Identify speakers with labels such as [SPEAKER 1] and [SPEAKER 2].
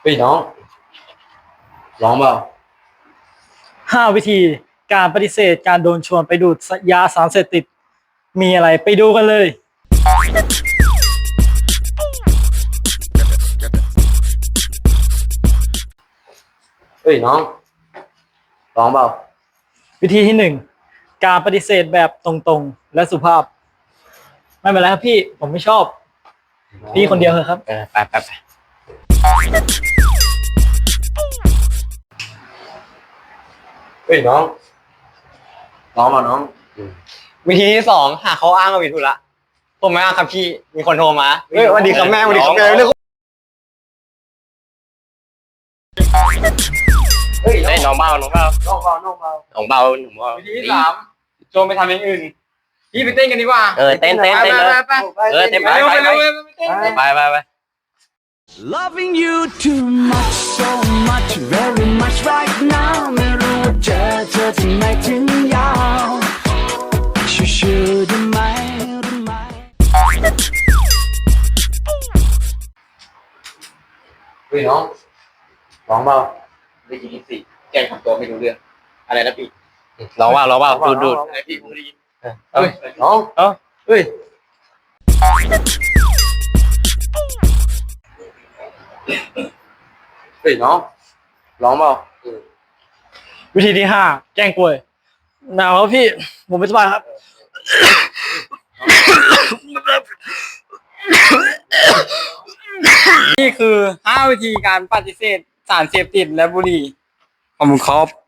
[SPEAKER 1] เฮ้ยน้องร้องเปล่า
[SPEAKER 2] 5 วิธีการปฏิเสธการโดนชวนไปดูดยาสารเสพติดมีอะไรไปดูกันเลย
[SPEAKER 1] เฮ้ยน้องร้องเปล่า
[SPEAKER 2] วิธีที่1การปฏิเสธแบบตรงๆและสุภาพไม่เป็นไรครับพี่ผมไม่ชอบพี่คนเดียวเถอะครับ
[SPEAKER 1] ไปเฮ้ยน้องร้องเปล่าน้อง
[SPEAKER 3] วิธีที่2หาเขาอ้างว่าผิดธุระผมไม่อ้างครับพี่มีคนโทรมาเฮ้ยสวัสดีครับแม่สวัสดีครับแม่เรื่อง
[SPEAKER 1] เฮ้ย
[SPEAKER 3] น้องเบา
[SPEAKER 1] น้องเปล่าน้องเปล่า
[SPEAKER 3] วิธีที่3โจมไปทำอย่างอื่นพี่ไปเต้นกันดีกว่า
[SPEAKER 4] เต้นเลยเต้นไป
[SPEAKER 3] ไป
[SPEAKER 5] Loving you too much so much very much right now ไม่รู้ว่าเธอทำไมถึงยาวชิวๆได้ไหม
[SPEAKER 1] เฮ้ยน้องร้องเปล่า
[SPEAKER 3] วิธีที่4แกล้งทำตัวไม่รู้เรื่องอะไรนะพี่
[SPEAKER 4] ร้องว่าดูด
[SPEAKER 3] อะไรพี่ผมไม่ได้ยิน
[SPEAKER 1] เฮ้ยน้องเฮ้ยเฮ้ยน้องร้องเปล่า
[SPEAKER 2] วิธีที่5แกล้งป่วยหนาวครับพี่ผมไม่สบายครับ
[SPEAKER 3] นี่คือ5วิธีการปฏิเสธสารเสพติดและบุหรี่ขอบคุณครับ